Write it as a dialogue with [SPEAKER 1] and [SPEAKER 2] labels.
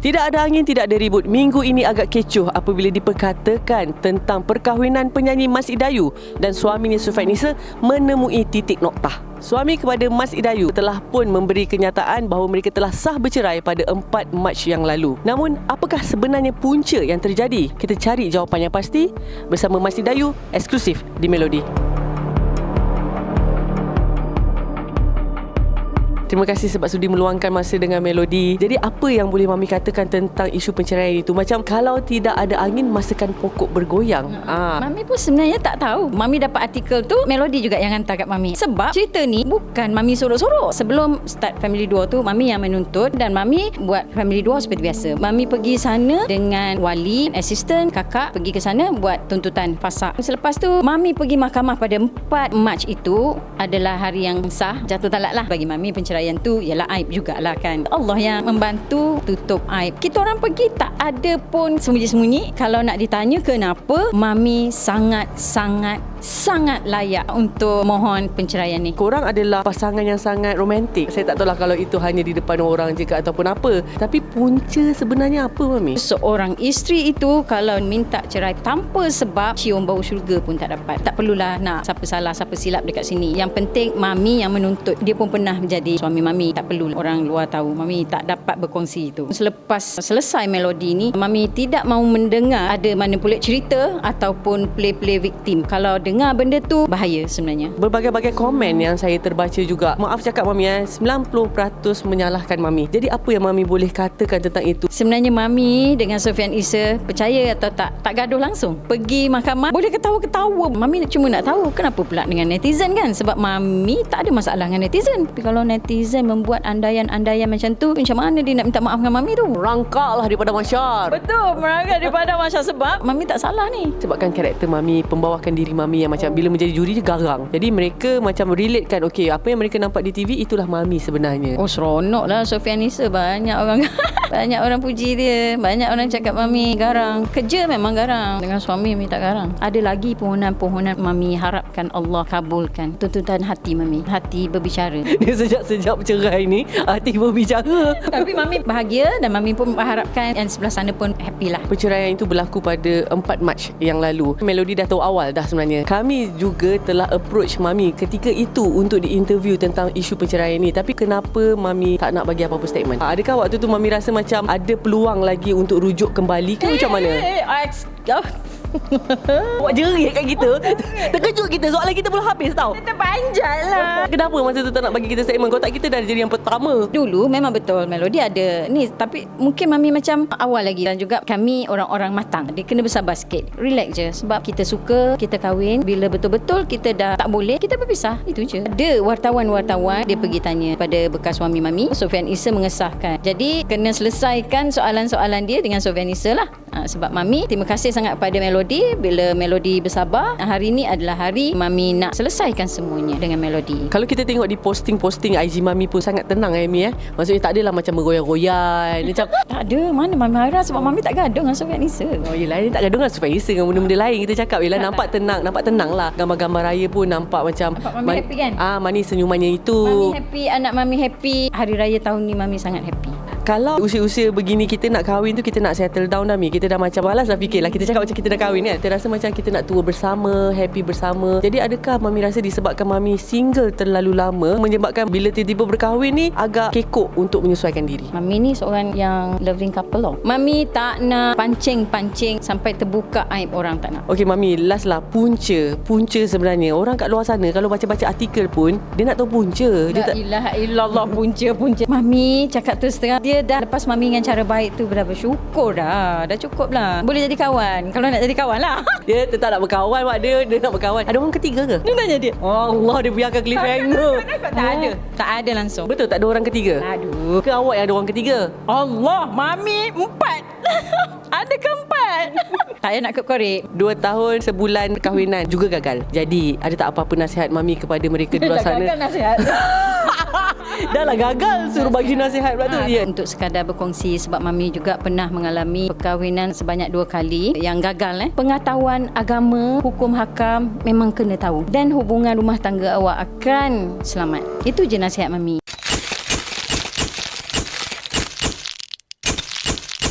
[SPEAKER 1] Tidak ada angin, tidak ada ribut. Minggu ini agak kecoh apabila diperkatakan tentang perkahwinan penyanyi Mas Idayu dan suaminya Sufian Issa menemui titik noktah. Suami kepada Mas Idayu telah pun memberi kenyataan bahawa mereka telah sah bercerai pada 4 Mac yang lalu. Namun, apakah sebenarnya punca yang terjadi? Kita cari jawapan yang pasti bersama Mas Idayu, eksklusif di Melodi. Terima kasih sebab sudi meluangkan masa dengan Melodi. Jadi apa yang boleh Mami katakan tentang isu perceraian itu? Macam kalau tidak ada angin, masakan pokok bergoyang.
[SPEAKER 2] Mami pun sebenarnya tak tahu. Mami dapat artikel tu, Melodi juga yang hantar kat Mami. Sebab cerita ni bukan Mami sorok-sorok. Sebelum start Family 2 tu, Mami yang menuntut dan Mami buat Family 2 seperti biasa. Mami pergi sana dengan wali, asisten, kakak pergi ke sana buat tuntutan fasak. Selepas tu, Mami pergi mahkamah pada 4 Mac itu adalah hari yang sah, jatuh talak lah bagi Mami. Perceraian tu ialah aib jugalah kan. Allah yang membantu tutup aib. Kita orang pergi tak ada pun sembunyi-sembunyi. Kalau nak ditanya kenapa, Mami sangat layak untuk mohon penceraian ni.
[SPEAKER 1] Korang adalah pasangan yang sangat romantik. Saya tak tahulah kalau itu hanya di depan orang je ke ataupun apa. Tapi punca sebenarnya apa, Mami?
[SPEAKER 2] Seorang isteri itu kalau minta cerai tanpa sebab, cium bau syurga pun tak dapat. Tak perlulah nak siapa salah, siapa silap dekat sini. Yang penting Mami yang menuntut. Dia pun pernah menjadi suami Mami. Tak perlu orang luar tahu. Mami tak dapat berkongsi itu. Selepas selesai Melodi ni, Mami tidak mahu mendengar ada manipulate cerita ataupun play victim. Kalau dengar benda tu, bahaya sebenarnya.
[SPEAKER 1] Berbagai-bagai komen yang saya terbaca juga. Maaf cakap Mami, 90% menyalahkan Mami. Jadi apa yang Mami boleh katakan tentang itu?
[SPEAKER 2] Sebenarnya Mami dengan Sufian Issa, percaya atau tak gaduh langsung. Pergi mahkamah, boleh ketawa-ketawa. Mami cuma nak tahu kenapa pula dengan netizen kan. Sebab Mami tak ada masalah dengan netizen. Tapi kalau netizen membuat andaian-andaian macam tu, macam mana dia nak minta maaf dengan Mami tu?
[SPEAKER 1] Merangkaklah daripada masyar.
[SPEAKER 2] Betul, merangkak daripada masyar. Sebab Mami tak salah ni.
[SPEAKER 1] Sebabkan karakter Mami, pembawakan diri Mami yang macam bila menjadi juri dia garang. Jadi mereka macam relatekan, okey, apa yang mereka nampak di TV itulah Mami sebenarnya.
[SPEAKER 2] Oh, seronok lah Sufian Issa. Banyak orang banyak orang puji dia. Banyak orang cakap Mami garang. Kerja memang garang. Dengan suami Mami tak garang. Ada lagi pohonan-pohonan Mami harapkan Allah kabulkan tuntutan hati Mami. Hati berbicara.
[SPEAKER 1] Dia sejak bercerai ni hati berbicara.
[SPEAKER 2] Tapi Mami bahagia dan Mami pun mengharapkan yang sebelah sana pun happy lah.
[SPEAKER 1] Perceraian itu berlaku pada 4 Mac yang lalu. Melodi dah tahu awal dah sebenarnya. Kami juga telah approach Mami ketika itu untuk diinterview tentang isu perceraian ni. Tapi kenapa Mami tak nak bagi apa-apa statement? Adakah waktu tu Mami rasa macam ada peluang lagi untuk rujuk kembali ke macam mana? Awak jerit kat kita. Terkejut kita. Soalan kita belum habis tau.
[SPEAKER 2] Kita panjat lah.
[SPEAKER 1] Kenapa masa tu tak nak bagi kita statement? Kalau tak kita dah jadi yang pertama.
[SPEAKER 2] Dulu memang betul Melodi ada ni. Tapi mungkin Mami macam awal lagi. Dan juga kami orang-orang matang. Dia kena bersabar sikit. Relax je. Sebab kita suka, kita kahwin. Bila betul-betul kita dah tak boleh, kita berpisah. Itu je. Ada wartawan-wartawan dia pergi tanya pada bekas suami Mami. Sufian Issa mengesahkan. Jadi kena selesaikan soalan-soalan dia dengan Sufian Issa lah. Sebab Mami terima kasih sangat pada Melodi. Bila Melodi bersabar, hari ni adalah hari Mami nak selesaikan semuanya dengan Melodi.
[SPEAKER 1] Kalau kita tengok di posting-posting IG Mami pun sangat tenang Mami. Maksudnya tak adalah macam bergoyang-goyang macam
[SPEAKER 2] tak ada. Mana Mami marah sebab Mami tak gaduh dengan Sufian Issa.
[SPEAKER 1] Oh yelah, dia tak gaduh dengan Sufian Issa. Dengan benda-benda lain kita cakap. Yelah, nampak tenang lah. Gambar-gambar raya pun nampak macam
[SPEAKER 2] Mami happy kan?
[SPEAKER 1] Manis senyumannya itu.
[SPEAKER 2] Mami happy, anak Mami happy. Hari raya tahun ni Mami sangat happy.
[SPEAKER 1] Kalau usia-usia begini kita nak kahwin tu, kita nak settle down dah Mi. Kita dah macam malas dah fikirlah. Kita cakap macam kita dah kahwin kan. Kita rasa macam kita nak tua bersama, happy bersama. Jadi adakah Mami rasa disebabkan Mami single terlalu lama menyebabkan bila tiba-tiba berkahwin ni agak kekok untuk menyesuaikan diri?
[SPEAKER 2] Mami ni seorang yang loving couple loh. Mami tak nak pancing-pancing sampai terbuka aib orang, tak nak.
[SPEAKER 1] Okey Mami, last lah, punca sebenarnya. Orang kat luar sana kalau baca-baca artikel pun dia nak tahu punca.
[SPEAKER 2] La ilaha illallah, punca. Mami cakap terus terang, dia dah lepas Mami dengan cara baik tu dah bersyukur dah cukup lah. Boleh jadi kawan. Kalau nak jadi kawan lah.
[SPEAKER 1] Dia tetap nak berkawan mak dia nak berkawan. Ada orang ketiga ke?
[SPEAKER 2] Dia tanya dia.
[SPEAKER 1] Allah, dia biarkan cliffhanger.
[SPEAKER 2] Tak ada langsung.
[SPEAKER 1] Betul tak ada orang ketiga?
[SPEAKER 2] Aduh.
[SPEAKER 1] Ke awak yang ada orang ketiga?
[SPEAKER 2] Allah, Mami 4. Ada ke 4? Tak payah nak korek.
[SPEAKER 1] 2 tahun sebulan perkahwinan juga gagal. Jadi ada tak apa-apa nasihat Mami kepada mereka di luar sana?
[SPEAKER 2] Gagal nasihat.
[SPEAKER 1] Dah lah gagal, suruh bagi nasihat pula tu.
[SPEAKER 2] Untuk sekadar berkongsi, sebab Mami juga pernah mengalami perkahwinan sebanyak 2 kali yang gagal. Pengetahuan agama, hukum hakam memang kena tahu. Dan hubungan rumah tangga awak akan selamat. Itu je nasihat Mami.